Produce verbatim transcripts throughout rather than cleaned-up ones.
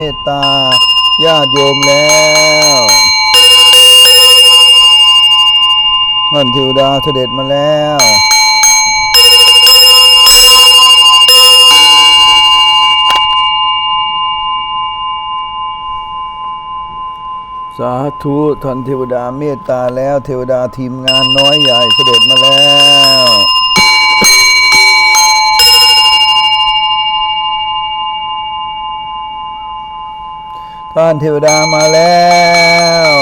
เมตตาญาติโยมแล้วท่านเทวดาเสด็จมาแล้วสาธุท่านเทวดาเมตตาแล้วเทวดาทีมงานน้อยใหญ่เสด็จมาแล้วท่านเทวดามาแล้ว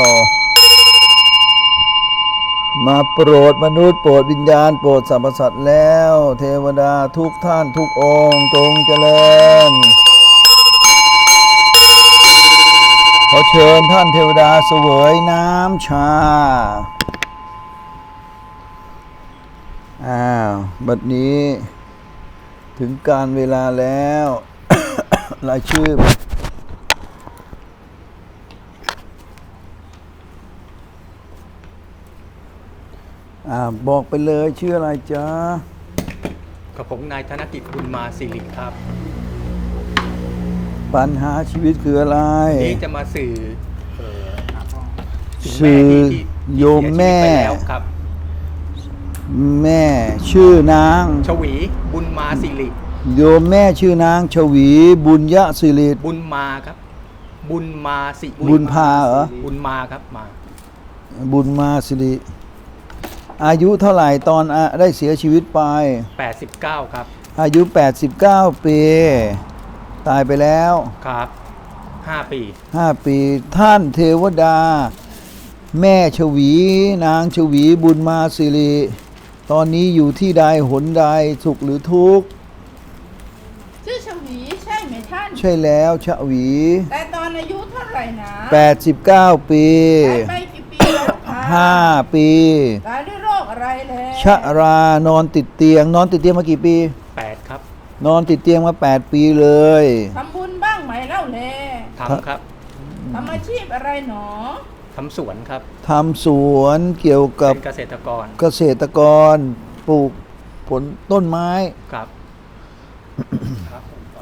มาโปรดมนุษย์โปรดวิญญาณโปรดสรรพสัตว์แล้วเทวดาทุกท่านทุกองค์จงเจริญขอเชิญท่านเทวดาเสวยน้ำชาอ้าวบัดนี้ถึงการเวลาแล้ว รายชื่ออ่าบอกไปเลยชื่ออะไรจ๊ะกับผมนายธนกิจบุญมาสิริครับปัญหาชีวิตคืออะไรนี่จะมาสื่อเอ่อถึงสื่อแม่ที่ที่โยมแม่เสียชีวิตไปแล้วครับแม่ชื่อนางชวีบุญมาสิริโยมแม่ชื่อนางชวีบุญยศิริบุญมาครับ บุญมาสิบุญพาเหรอบุญมาครับมาบุญมาสิริอายุเท่าไหร่ตอนอ่ะได้เสียชีวิตไปแปดสิบเก้าครับอายุแปดสิบเก้าปีตายไปแล้วครับห้าปีห้าปีท่านเทวดา แม่ชวีนางชวีบุญมาสิริตอนนี้อยู่ที่ใดหนใดสุขหรือทุกข์ชื่อชวีใช่ไหมท่านใช่แล้วชวีแต่ตอนอายุเท่าไหร่นะแปดสิบเก้าปีตายไปกี่ปีแล้วคะห้าปีตายด้วยโรคอะไรแล้วชรานอนติดเตียง นอนติดเตียงมากี่ปีแปดครับนอนติดเตียงมาแปดปีเลยทำบุญบ้างไหมเล่าแลทำครับทำอาชีพอะไรหนอทำสวนครับทำสวนเกี่ยวกับเป็นเกษตรกรเกษตรกรปลูกผลต้นไม้ครับ ครับผมก่อน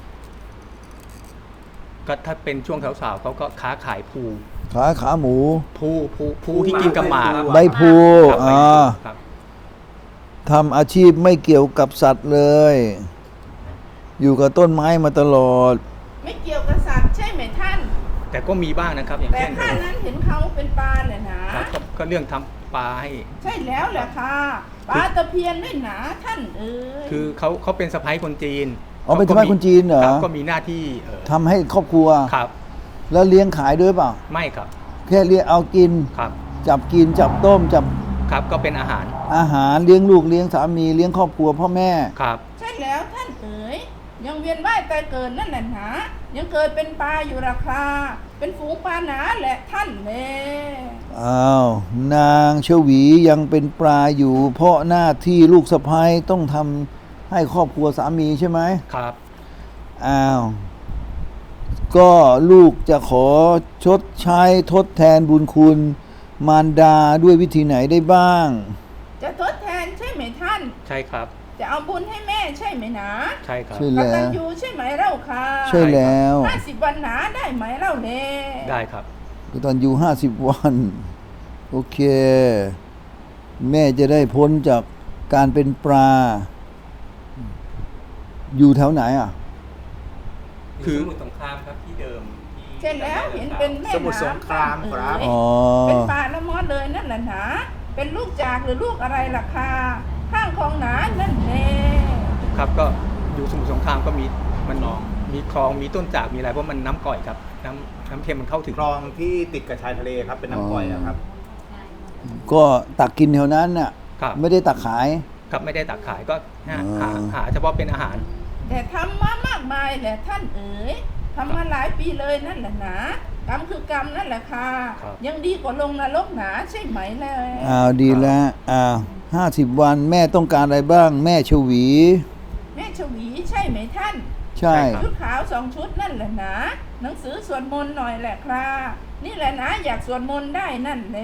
ก็ถ้าเป็นช่วงสาวๆเขาก็ค้าขายภูขาขาหมูภูภูภูที่กินกับหมาใบพลูครับอ่าครับทำอาชีพไม่เกี่ยวกับสัตว์เลย อยู่กับต้นไม้มาตลอดไม่เกี่ยวกับสัตว์ใช่ไหมท่านแต่ก็มีบ้างนะครับ อย่างแต่เช่นข้านั้นเห็นเขาเป็นปลาแหละนะครับก็ก็เรื่องทำปลาให้ใช่แล้วแหละค่ะปลาตะเพียนด้วยหนาท่านเอ๋ยคือเขาเขาเป็นสะพ้ายคนจีนอ๋อเป็นสะใภ้คนจีนเหรอคบก็มีหน้าที่เอ่อทำให้ครอบครัวครับแล้วเลี้ยงขายด้วยเปล่าไม่ครับแค่เลี้ยงเอากินครับจับกินจับต้มจับครับก็เป็นอาหารอาหารเลี้ยงลูกเลี้ยงสามีเลี้ยงครอบครัวพ่อแม่ครับใช่แล้วท่านเอ๋ยยังเวียนว่ายตายเกิดนั่นแหละหนายังเกิดเป็นปลาอยู่ราคา เป็นฝูงปลาหนาแหละท่านเลยอ้าวนางชวียังเป็นปลาอยู่ เพราะหน้าที่ลูกสะใภ้ต้องทำให้ครอบครัวสามีใช่ไหมครับอ้าว ก็ลูกจะขอชดใช้ทดแทนบุญคุณ มารดาด้วยวิธีไหนได้บ้างจะทดแทนใช่ไหมท่านใช่ครับจะเอาบุญให้แม่ใช่ไหมนะใช่ครับใช่กแล้วตัญญูใช่ไหมเล่าค่ะใช่แล้วห้าสิบวันหนาได้ไหมเล่าเล่ได้ครับก็ตอนอยู่ห้าสิบวัน โอเค แม่จะได้พ้นจากการเป็นปลา อยู่แถวไหนอ่ะคือสมุทรสงครามครับที่เดิมที่ใช่แล้วเห็นเป็นแม่สมุทรสงครามครับเอ๋ยอ๋อเป็นปลาละมอดเลยนั่นแหละหนาเป็นลูกจากหรือลูกอะไรล่ะค่ะข้างคลองหนานั่นแน่ครับก็อยู่สมุทรสงครามก็มีมันมีคลองมีต้นจากมีอะไรเพราะมันน้ำก่อยครับน้ำน้ำเค็มมันเข้าถึงคลองที่ติดกับชายทะเลครับเป็นน้ำกร่อยอะครับก็ตักกินแถวนั้นน่ะครับไม่ได้ตักขายครับไม่ได้ตักขายก็หาอ่าหาหาเฉพาะเป็นอาหารแต่ทำมามากมายแหละท่านเอ๋ยทำมาหลายปีเลยนั่นแหละหนากรรมคือกรรมนั่นแหละค่ะครับยังดีกว่าลงนรกหนาใช่ไหมเลยอ้าวดีแล้วอ้าวห้าสิบวันแม่ต้องการอะไรบ้าง แม่ชวีแม่ชวีใช่ไหมท่านใช่ชุดขาวสองชุดนั่นแหละหนาหนังสือสวดมนต์หน่อยแหละครับนี่แหละนะอยากสวดมนต์ได้นั่นแหละ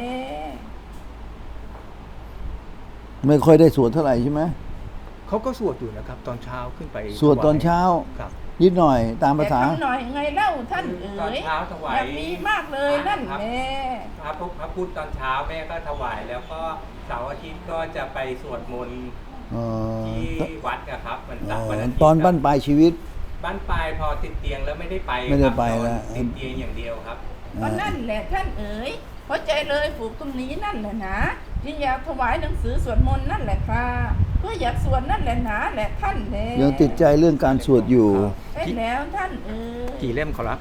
ไม่ค่อยได้สวดเท่าไหร่ใช่ไหมเขาก็สวดอยู่นะครับ ตอนเช้าขึ้นไปสวดตอนเช้าครับนิดหน่อยตามภาษาแต่ทำหน่อยไงเล่าท่านเอ๋ตอนยเช้าถวายอยากมีมากเลยนั่นครับแหละพระพุทธพระพุทธตอนเช้าแม่ก็ถวายแล้วก็เสาร์อาทิตย์ก็จะไปสวดมนต์เอ่อที่วัดนะครับวันเอ่เสาร์อวันอาทิตย์ตอนบ้านปลายชีวิตบ้านปลายพอติดเตียงแล้วไม่ได้ไปไม่ได้ครับไปนอนแล้วติดเตียงอย่างเดียวครับก็นั่นแหละท่านเอ๋ยเพราะใจเลยผูกตรงนี้นั่นแหละนะจึงอยากถวายหนังสือสวดมนต์นั่นแหละค่ะเพื่ออยากสวดนั่นแหละนะแหละท่านแหละยังติดใจเรื่องการสวดอยู่ใช่แล้วท่านเอ๋ยกี่เล่มขอรับ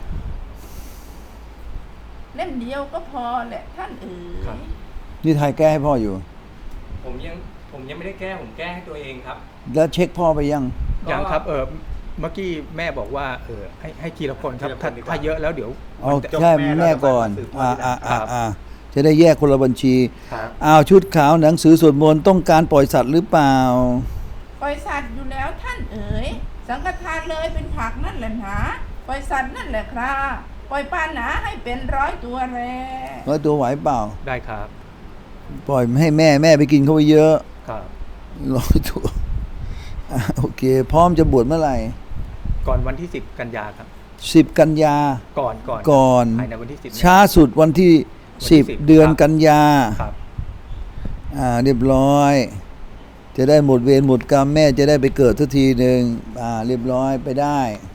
เล่มเดียวก็พอแหละท่านเอ๋ครับยนี่ไทยแก้ให้พ่ออยู่ผมยังผมยังไม่ได้แก้ผมแก้ให้ตัวเองครับแล้วเช็คพ่อไปยังยังครับเออเมื่อกี้แม่บอกว่าเออให้ให้ทีละคนครับทีละคนถ้าดีกว่าถ้าเยอะแล้วเดี๋ยวเอามันจะจบใช่แม่แม่แล้วก่อนจะมาสืบอ่าทอดอ่าทีหลัอ่าง อ่าจะได้แยกคนละบัญชีครับอ้าวชุดขาวหนังสือสวดมนต์ต้องการปล่อยสัตว์หรือเปล่าปล่อยสัตว์อยู่แล้วท่านเอ๋ยสังฆทานเลยเป็นผักนั่นแหละหนาปล่อยสัตว์นั่นแหละครับปล่อยปลาหนาให้เป็นร้อยตัวแลร้อยตัวไหวเปล่าได้ครับปล่อยให้แม่แม่ไปกินเข้าไปเยอะครับร้อยตัวอ่ะโอเค พร้อมจะบวชเมื่อไหร่ก่อนวันที่สิบกันยาครับสิบกันยาก่อนก่อนก่อนภายในวันที่สิบช้าสุดวันที่วันที่สิบสิบเดือนครับกันยาครับอ่าเรียบร้อย จะได้หมดเวรหมดกรรมแม่จะได้ไปเกิดสักทีหนึ่งอ่าเรียบร้อยไปได้